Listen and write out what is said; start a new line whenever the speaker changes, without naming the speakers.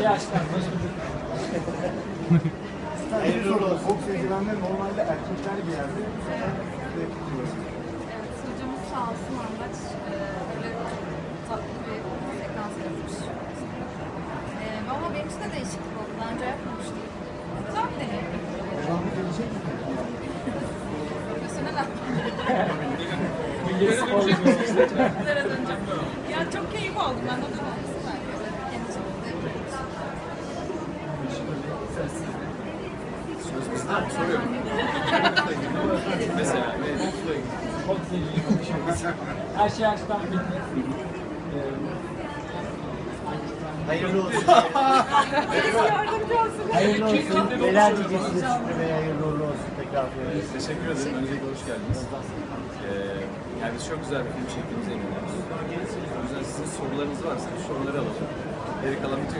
şey açtılar.
Hayırlı olsun. Boks eldivenler normalde erkekler giyerdi.
Evet, sunucumuz sağ olsun Andaç böyle tatlı bir sekans yapmış. Ama benim için de değişiklik oldu. Daha önce yapmamıştım. Güzel bir deneyim.
Devamı gelecek mi?
Profesyonel
Milli spor
aktivitelere döneceğim. Ya çok keyif aldım ben de olması belki. Kendi çapımda yapıyoruz.
Soruyorum. Mesela
boksla ilgili konuşuyoruz. Her şey açtan bitti.
Hayırlı olsun.
Yardımcı olsun.
Hayırlı olsun. Neler diyeceksiniz Şükrü Bey? Hayırlı uğurlu olsun tekrar.
teşekkür ederim. Öncelikle hoş geldiniz. Yani biz çok güzel bir film çektiğimize inanıyoruz. O yüzden sizin sorularınız varsa soruları alalım. Geri kalan bütün